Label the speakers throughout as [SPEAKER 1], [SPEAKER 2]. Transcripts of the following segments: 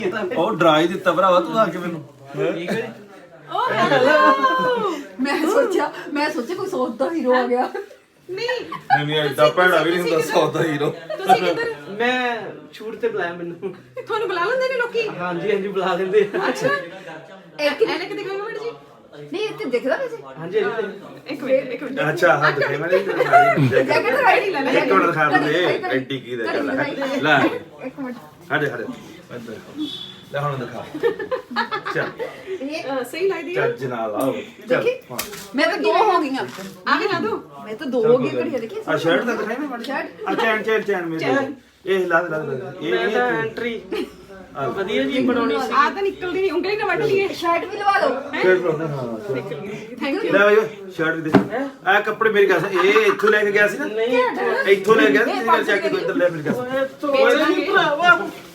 [SPEAKER 1] ਉਹ ਡਰਾ ਹੀ ਦਿੱਤਾ ਭਰਾਵਾ ਤੂੰ ਆ ਕੇ ਮੈਨੂੰ
[SPEAKER 2] ਮੈਂ ਸੋਚਿਆ ਕੋਈ ਸੌਤ ਦਾ ਹੀਰੋ ਆ ਗਿਆ।
[SPEAKER 1] ਨਹੀਂ ਨਹੀਂ ਐਡਾ ਭੈੜਾ ਵੀ ਨਹੀਂ ਹੁੰਦਾ ਸੌਦਾ ਹੀਰੋ।
[SPEAKER 3] ਤੁਸੀਂ ਕਿੱਧਰ?
[SPEAKER 4] ਮੈਂ ਛੂਟ ਤੇ ਬੁਲਾਇਆ ਮੈਨੂੰ।
[SPEAKER 3] ਤੁਹਾਨੂੰ ਬੁਲਾ ਲੈਂਦੇ ਨੇ ਲੋਕੀ?
[SPEAKER 4] ਹਾਂਜੀ ਹਾਂਜੀ ਬੁਲਾ ਲੈਂਦੇ ਆ।
[SPEAKER 3] ਅੱਛਾ
[SPEAKER 2] ਇੱਕ
[SPEAKER 3] ਐਨੇ ਕਿਤੇ ਗਏ ਮੈਡਮ ਜੀ?
[SPEAKER 2] ਨਹੀਂ ਇੱਥੇ ਦਿਖਦਾ ਵੈਸੇ
[SPEAKER 4] ਹਾਂਜੀ
[SPEAKER 3] ਇੱਕ ਮਿੰਟ
[SPEAKER 1] ਅੱਛਾ ਹਾਂ ਦਿਖੇ ਮੈਂ ਨਹੀਂ
[SPEAKER 2] ਜੈਕਟ ਰਾਈਟ ਹੀ ਲੈ ਲੈ
[SPEAKER 1] ਇੱਕ ਮਿੰਟ ਦਿਖਾ ਦੇ ਐਡੀ ਕੀ ਦੇ ਲੈ
[SPEAKER 2] ਇੱਕ ਮਿੰਟ
[SPEAKER 1] ਹੜੇ ਹੜੇ ਲੈ ਹੁਣ ਦਿਖਾ ਚੱਲ
[SPEAKER 3] ਸਹੀ ਲੱਗਦੀ ਹੈ।
[SPEAKER 1] ਚੱਜ ਨਾਲ ਆਓ ਚੱਲ ਹਾਂ।
[SPEAKER 2] ਮੈਂ ਤਾਂ ਦੋ ਹੋ ਗਈਆਂ
[SPEAKER 3] ਆ ਵੀ ਲਾ ਦੋ।
[SPEAKER 2] ਮੈਂ ਤਾਂ ਦੋ ਹੋ ਗਈ ਘੜੀਆਂ ਦੇਖੀ
[SPEAKER 1] ਆ ਸ਼ਰਟ ਤਾਂ ਦਿਖਾਈ ਮੈਂ
[SPEAKER 2] ਸ਼ਰਟ
[SPEAKER 1] ਆ ਚੈਨ ਮੇਰੇ ਇਹ ਲਾ ਦੇ ਇਹ
[SPEAKER 4] ਮੈਂ ਤਾਂ
[SPEAKER 1] ਇਹ
[SPEAKER 4] ਐਂਟਰੀ ਵਧੀਆ ਜੀ ਬਣਾਉਣੀ ਸੀ।
[SPEAKER 3] ਆ ਤਾਂ ਨਿਕਲਦੀ ਨਹੀਂ, ਉਂਗਲੀ ਨਾ ਵੱਢ ਲਈਏ।
[SPEAKER 2] ਸ਼ਰਟ ਵੀ ਲਵਾ ਲਓ।
[SPEAKER 1] ਫਿਰ ਹਾਂ
[SPEAKER 2] ਥੈਂਕ ਯੂ
[SPEAKER 1] ਲੈ ਬਾਈ ਸ਼ਰਟ ਵੀ ਦੇ ਆ ਕੱਪੜੇ ਮੇਰੀ ਗੱਲ ਇਹ ਇੱਥੋਂ ਲੈ ਕੇ ਗਿਆ ਸੀ ਨਾ
[SPEAKER 4] ਨਹੀਂ
[SPEAKER 1] ਇੱਥੋਂ ਲੈ ਗਿਆ ਸੀ ਮੇਰੇ ਚੱਕ ਕੇ ਇੱਧਰ ਲੈ ਮੇਰੀ ਗੱਲ
[SPEAKER 4] ਓਏ ਤੋਏ ਨਹੀਂ ਭਰਾਵਾ।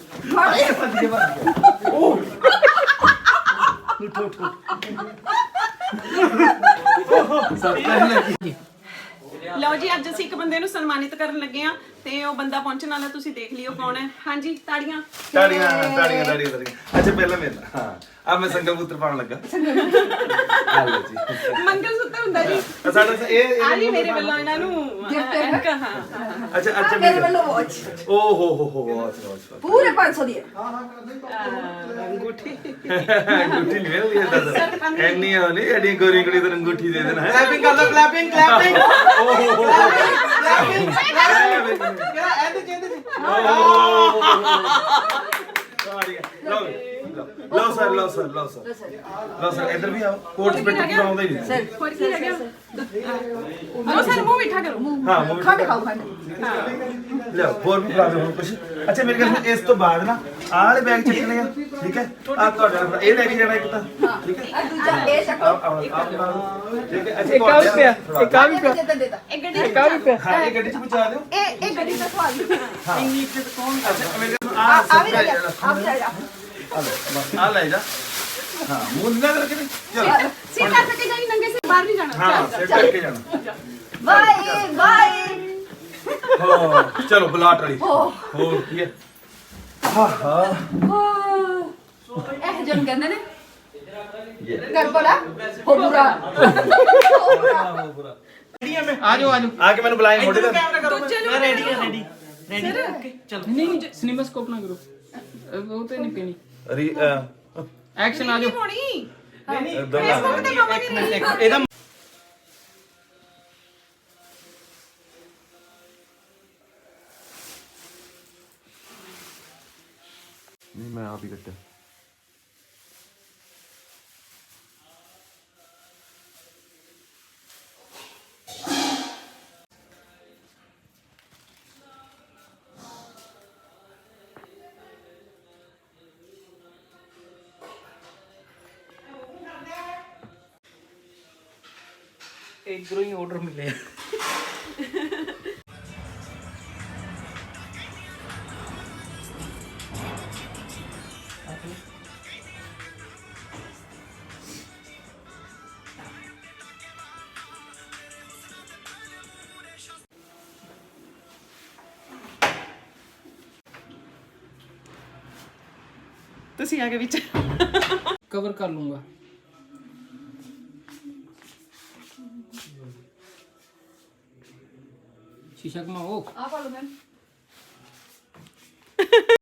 [SPEAKER 3] ਲਓ ਜੀ ਅੱਜ ਅਸੀਂ ਇੱਕ ਬੰਦੇ ਨੂੰ ਸਨਮਾਨਿਤ ਕਰਨ ਲੱਗੇ ਆ ਤੇ ਉਹ ਬੰਦਾ ਪਹੁੰਚਣ ਵਾਲਾ, ਤੁਸੀਂ ਦੇਖ ਲਿਓ ਕੌਣ ਹੈ। ਹਾਂਜੀ ਤਾੜੀਆਂ।
[SPEAKER 1] ਤਾੜੀਆਂ ਅੱਛਾ ਪਹਿਲਾਂ ਮੇਰਾ ਹਾਂ ਆ ਮੈਂ ਸੰਗਲ ਪੁੱਤਰ ਪਾਉਣ ਲੱਗਾ ਆ ਲਓ ਜੀ
[SPEAKER 3] ਮੰਗਲ ਸੂਤਰ ਹੁੰਦਾ ਜੀ।
[SPEAKER 1] ਸਾਡਾ ਇਹ
[SPEAKER 3] ਆ ਜੀ ਮੇਰੇ ਵੱਲੋਂ ਇਹਨਾਂ ਨੂੰ ਐਨਕ, ਹਾਂ
[SPEAKER 1] ਅੱਛਾ ਅੱਛਾ
[SPEAKER 2] ਮੇਰੇ ਵੱਲੋਂ ਵਾਚ
[SPEAKER 1] ਓ ਹੋ ਅੱਛਾ
[SPEAKER 2] ਪੂਰੇ 500 ਦੀ ਹੈ।
[SPEAKER 3] ਅੰਗੂਠੀ।
[SPEAKER 1] ਅੰਗੂਠੀ ਨਹੀਂ ਮਿਲਦੀ ਏਦਾਂ ਐਨੀ ਆ ਨਹੀਂ ਐਡੀ ਗੋਰੀ ਕੁੜੀ ਤੋਂ ਅੰਗੂਠੀ ਦੇ ਦੇਣਾ ਹੈ
[SPEAKER 4] ਕਲੈਪਿੰਗ ਕਰ ਦੋ ਕਲੈਪਿੰਗ ਕਲੈਪਿੰਗ ਕਲੈਪਿੰਗ ਕਿਹੜਾ ਐਂਡ ਚੇਂਦੇ ਸੀ।
[SPEAKER 1] ਲਓ ਸਰ ਇੱਧਰ ਵੀ ਆਓ ਕੋਟ ਪਿੱਟ ਪੂਰਾ ਆਉਂਦਾ ਹੀ ਨਹੀਂ
[SPEAKER 2] ਸਰ
[SPEAKER 3] ਹੋਰ ਕੀ ਰਹਿ ਗਿਆ? ਉਹ ਸਰ ਮੂੰਹ ਮਿੱਠਾ ਕਰੋ।
[SPEAKER 1] ਹਾਂ ਮੂਵੀ
[SPEAKER 2] ਖੰਡ ਖਾਓ ਖੰਡ।
[SPEAKER 1] ਲਿਓ ਹੋਰ ਵੀ ਖਾ ਦਿਓ ਹੁਣ ਕੁਛ ਅੱਛਾ ਮੇਰੇ ਕੋਲ ਇਸ ਤੋਂ ਬਾਅਦ ਨਾ ਆਹ ਵਾਲੇ ਬੈਗ ਚੱਕਣੇ ਆ ਠੀਕ ਹੈ ਆ ਤੁਹਾਡਾ ਇਹ ਲੈ ਕੇ ਜਾਣਾ ਇੱਕ ਤਾਂ ਠੀਕ ਹੈ
[SPEAKER 2] ਆ ਦੂਜਾ ਇਹ ਚੱਕੋ।
[SPEAKER 1] ਠੀਕ ਹੈ ਅੱਛਾ
[SPEAKER 4] ਇੱਕ ਆ ਵੀ ਪਿਆ ਇੱਕ ਆ ਵੀ ਪਿਆ
[SPEAKER 2] ਦੇਤਾ
[SPEAKER 3] ਇਹ ਗੱਡੀ
[SPEAKER 4] ਇੱਕ ਆ ਵੀ ਪਿਆ।
[SPEAKER 1] ਹਾਂ ਇਹ ਗੱਡੀ ਚ ਪਹੁੰਚਾ ਦਿਓ
[SPEAKER 2] ਇਹ ਗੱਡੀ ਦਾ ਸਵਾਲ
[SPEAKER 1] ਹਾਂ
[SPEAKER 4] ਇੰਨੀ ਇੱਜ਼ਤ ਕੌਣ
[SPEAKER 1] ਅੱਛਾ ਮੇਰੇ ਕੋਲ
[SPEAKER 2] ਆ ਵੀ ਲੈ ਜਾ ਆ ਵੀ ਲੈ ਜਾ
[SPEAKER 1] ਆ ਲੈ ਜਾ ਹਾਂ ਮੂੰਹ ਨਾ ਕਰਕੇ ਚਲ
[SPEAKER 3] ਸਿਰ ਕੱਟ ਕੇ ਜਾਈ, ਨੰਗੇ ਸਿਰ ਬਾਹਰ ਨਹੀਂ ਜਾਣਾ।
[SPEAKER 1] ਹਾਂ ਸਿਰ ਕਰਕੇ ਜਾਣਾ
[SPEAKER 2] ਬਾਏ ਬਾਏ।
[SPEAKER 1] ਹੋ ਚਲੋ ਬਲਾਟ ਵਾਲੀ ਹੋਰ ਕੀ ਹੈ ਹਾਂ ਹਾਂ
[SPEAKER 2] ਇਹ ਜਨ ਕਹਿੰਦੇ ਨੇ ਕਰ ਬੋਲਾ ਹੋ ਬੁਰਾ
[SPEAKER 4] ਆ ਜਾਓ
[SPEAKER 1] ਆ ਕੇ ਮੈਨੂੰ ਬੁਲਾਏ ਮੋਢੇ ਤੇ
[SPEAKER 3] ਦੂਜੇ ਨੂੰ
[SPEAKER 4] ਰੈਡੀ ਹੈ ਰੈਡੀ ਰੈਡੀ ਓਕੇ ਚਲੋ
[SPEAKER 5] नहीं सिनेमा स्कोप ना करो वो तो नहीं पीनी एक्शन आ
[SPEAKER 3] ਨਹੀਂ
[SPEAKER 5] जाओ
[SPEAKER 3] ਹੋਣੀ।
[SPEAKER 4] ਨਹੀਂ
[SPEAKER 3] ਫੇਸਬੁੱਕ ਤੇ ਮਾਮਾ ਦੀ ਨਹੀਂ।
[SPEAKER 4] ਇਹਦਾ
[SPEAKER 1] ਨਹੀਂ ਮੈਂ ਆਪ ਹੀ ਕੱਟਿਆ
[SPEAKER 4] ਇਧਰੋਂ ਹੀ ਆਰਡਰ ਮਿਲਿਆ।
[SPEAKER 3] ਤੁਸੀਂ ਆ ਕੇ ਵਿੱਚ
[SPEAKER 5] कवर कर लूंगा शीशा घुमाओ
[SPEAKER 2] ਆ ਪਾ ਲਓ ਮੈਂ